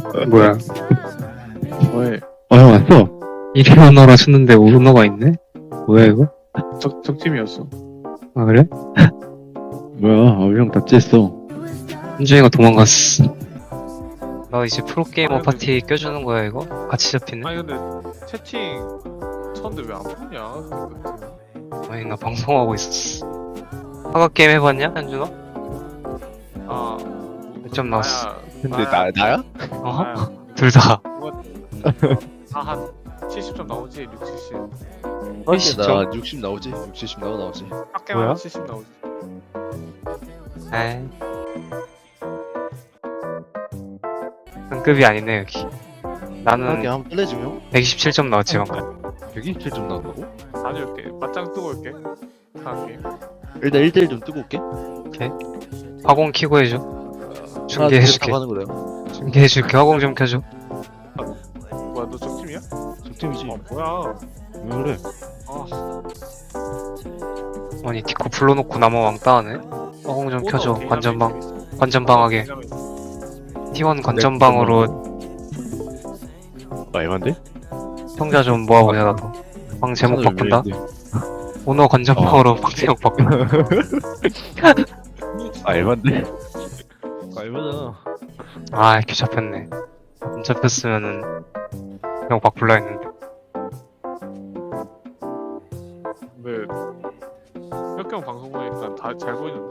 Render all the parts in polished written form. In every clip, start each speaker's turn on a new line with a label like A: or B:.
A: 뭐야?
B: 왜?
A: 형 왔어? 1위 언어라 쳤는데 오너가 있네? 뭐야 이거?
B: 적팀이었어.
A: 아 그래?
C: 뭐야, 형 답지했어.
A: 현준이가 도망갔어. 나 이제 프로게이머 파티 껴주는 거야 이거? 같이 잡히네?
B: 아니 근데 채팅 쳤는데 왜 안 보냐?
A: 아니 나 방송하고 있었어. 화가 게임 해봤냐 현준아?
B: 아,
A: 몇 점 나왔어?
C: 근데 나야?
A: 어? 둘 다.
B: 다한 70점 나오지? 6, 70.
C: 사실 나
A: 진짜?
C: 60 나오지? 6, 70 나오지.
B: 학교만
A: 뭐야?
B: 70 나오지.
A: 에이. 등급이 아니네 여기. 나는
C: 하게 한번 플레이중 형?
A: 127점 나왔지 방금.
C: 127점 나온다고?
B: 다녀올게. 맞짱 뜨고 올게. 다음
C: 일단 1대1 좀 뜨고 올게.
A: 오케이. 화공 키고 해줘.
C: 하나,
A: 중계해줄게.
C: 둘, 셋 하는 거래요.
A: 중계해줄게. 화공 좀 켜줘.
B: 뭐야, 너 적팀이야?
C: 적팀이지.
B: 뭐야?
C: 왜 그래?
B: 아,
A: 아니 디코 불러놓고 나만 왕따하네. 화공 좀 켜줘. 관전방하게. T1 관전방으로
C: 말만데?
A: 평자 좀 모아보자 나도. 방 제목 바꾼다. 오너 관전방으로 방 제목 바꾼다.
C: 알만데? 알만하잖아.
A: 아 이렇게 잡혔네. 안 잡혔으면은 그냥 바꿀라 했는데.
B: 근데 혁경 방송 보니까 다 잘 보이는데?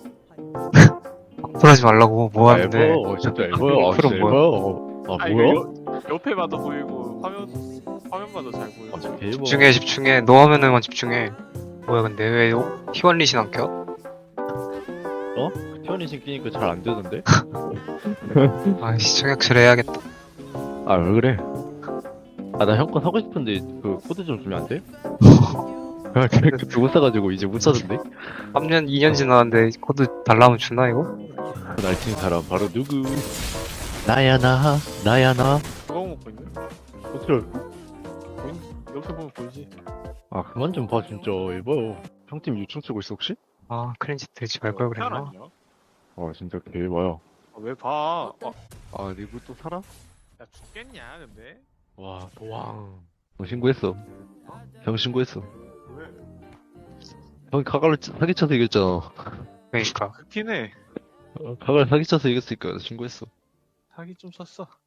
A: 그러지 말라고 뭐 하는데.
C: 앨범, 진짜 앨범. 아,
A: 그럼
C: 진짜
A: 뭐야?
C: 앨범. 아,
B: 아니,
C: 뭐야?
B: 옆에 봐도 보이고 화면 봐도 잘 보여.
C: 아, 진짜 개앨범.
A: 집중해. 너 화면에만 집중해. 뭐야 근데 왜 T1 리신 안 켜?
C: 티원이 신기니까 잘 안 되던데?
A: 아이씨 청약실 해야겠다.
C: 아, 왜 그래? 아, 나 형 거 사고 싶은데 그 코드 좀 주면 안 돼? 아, 그못 사가지고 이제 못 사던데?
A: 3년 2년 지났는데 코드 달라면 주나 이거?
C: 날친 사람 바로 누구? 나야 나.
B: 그거 먹고 있네?
C: 어떻게
B: 옆에 보면 보이지?
C: 아, 그만 좀 봐, 진짜. 이봐요. 형팀 유충 쓰고 있어, 혹시?
A: 아 클린지 들지 말 걸 그랬나?
B: 아니야?
C: 아, 진짜 개봐요.
B: 아, 왜 봐?
C: 아, 리브 또 살아?
B: 야 죽겠냐 근데?
C: 와, 도왕. 형 신고했어. 형 신고했어.
B: 왜?
C: 형이 카갈로 사기쳐서 이겼잖아.
A: 그러니까
B: 그렇긴 해.
C: 카갈 사기쳐서 이겼으니까 신고했어.
B: 사기 좀 쳤어.